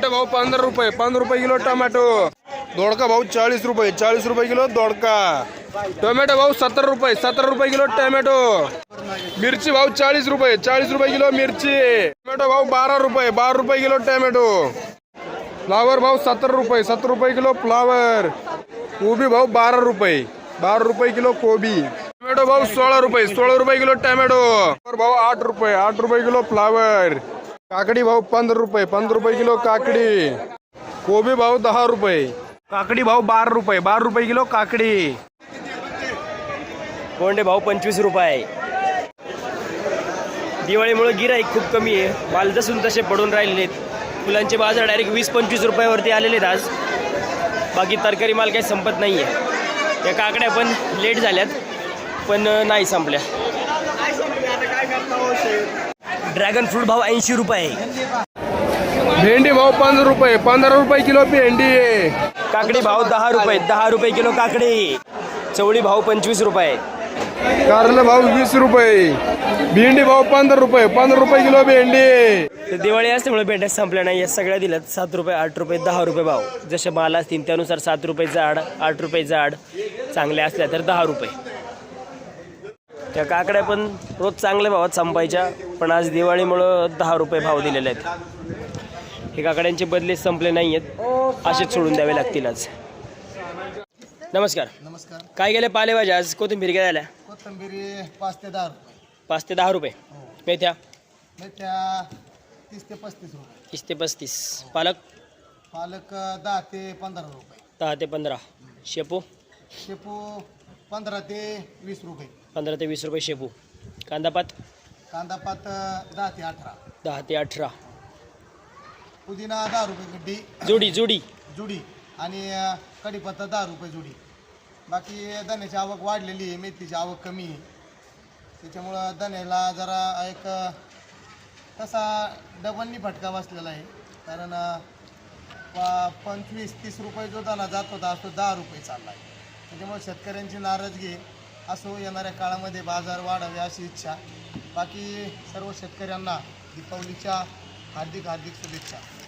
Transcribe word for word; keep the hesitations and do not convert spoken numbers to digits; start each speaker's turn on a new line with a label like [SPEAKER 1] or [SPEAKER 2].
[SPEAKER 1] Tomato भाऊ पंधरा रुपये पंधरा रुपये किलो टोमॅटो। दोडका भाऊ चाळीस रुपये चाळीस रुपये किलो दोडका। टोमॅटो भाऊ सत्तर रुपये सत्तर रुपये किलो टोमॅटो। मिरची भाऊ चाळीस रुपये चाळीस रुपये किलो मिरची। टोमॅटो भाऊ बारा रुपये बारा रुपये किलो टोमॅटो। फ्लावर भाऊ सत्तर रुपये सत्तर रुपये किलो फ्लावर। कोबी भाऊ बारा रुपये बारा रुपये किलो कोबी। टोमॅटो भाऊ सोळा रुपये सोळा रुपये किलो टोमॅटो। भाऊ आठ रुपये आठ रुपये किलो फ्लावर। काकडी भाऊ पंधरा रुपये पंधरा रुपये किलो काकडी। कोबी भाऊ दहा रुपये। काकडी भाऊ बारा रुपये बारा रुपये किलो काकडी।
[SPEAKER 2] कोंडे भाऊ पंचवीस रुपये। दिवाळीमुळे गिराईक खूप कमी आहे, माल जसून तसे पडून राहिलेले आहेत। फुलांचे बाजार डायरेक्ट वीस पंचवीस रुपयावरती आलेले आहेत आज। बाकी तरकारी माल काही संपत नाही आहे। या काकड्या पण लेट झाल्यात पण नाही संपल्या। ड्रॅगन फ्रूट भाव ऐंशी रुपये।
[SPEAKER 1] भेंडी भाऊ पंधरा रुपये पंधरा रुपये किलो भेंडी।
[SPEAKER 2] काकडी भाव दहा रुपये दहा रुपये किलो काकडी। चवळी भाव पंचवीस रुपये।
[SPEAKER 1] कारलं भाऊ वीस रुपये। भेंडी भाऊ पंधरा रुपये पंधरा रुपये किलो भेंडी।
[SPEAKER 2] तर दिवाळी असल्यामुळे भेंड्या संपल्या नाही, या सगळ्या दिल्यात सात रुपये आठ रुपये दहा रुपये भाव। जसे माल असतील त्यानुसार सात रुपये जाड आठ रुपये जाड, चांगल्या असल्या तर दहा रुपये। त्या काकड्या पण रोज चांगल्या भावात संपायच्या, पण आज दिवाळीमुळं दहा रुपये भाव दिलेले आहेत। हे काकड्यांचे बदले संपले नाही आहेत, असेच सोडून द्यावे लागतील आज। नमस्कार
[SPEAKER 3] नमस्कार।
[SPEAKER 2] काय गेले पालेभाज्या आज? कोथिंबीर काय झाल्या?
[SPEAKER 3] कोथिंबीर पाच ते दहा रुपये।
[SPEAKER 2] पाच ते दहा रुपये। मेथ्या
[SPEAKER 3] मेथ्या तीस ते पस्तीस रुपये।
[SPEAKER 2] तीस ते पस्तीस। पालक
[SPEAKER 3] पालक दहा ते पंधरा रुपये।
[SPEAKER 2] दहा ते पंधरा। शेपू
[SPEAKER 3] शेपू पंधरा ते वीस रुपये।
[SPEAKER 2] पंधरा ते वीस रुपये शेपू। कांदापात
[SPEAKER 3] कांदापात दहा ते अठरा।
[SPEAKER 2] दहा ते अठरा।
[SPEAKER 3] पुदिना दहा रुपये गड्डी
[SPEAKER 2] जोडी जोडी
[SPEAKER 3] जुडी आणि कढीपत्ता दहा रुपये जुडी। बाकी धन्याची आवक वाढलेली आहे, मेथीची आवक कमी आहे, त्याच्यामुळं धन्याला जरा एक तसा डबलनी फटका बसलेला आहे। कारण प पंचवीस तीस रुपये जो दाना जात होता तो दहा रुपये चालला आहे। त्याच्यामुळे शेतकऱ्यांची नाराजगी असो, येणाऱ्या काळामध्ये बाजार वाढावे अशी इच्छा। बाकी सर्व शेतकऱ्यांना दीपावलीच्या हार्दिक हार्दिक शुभेच्छा।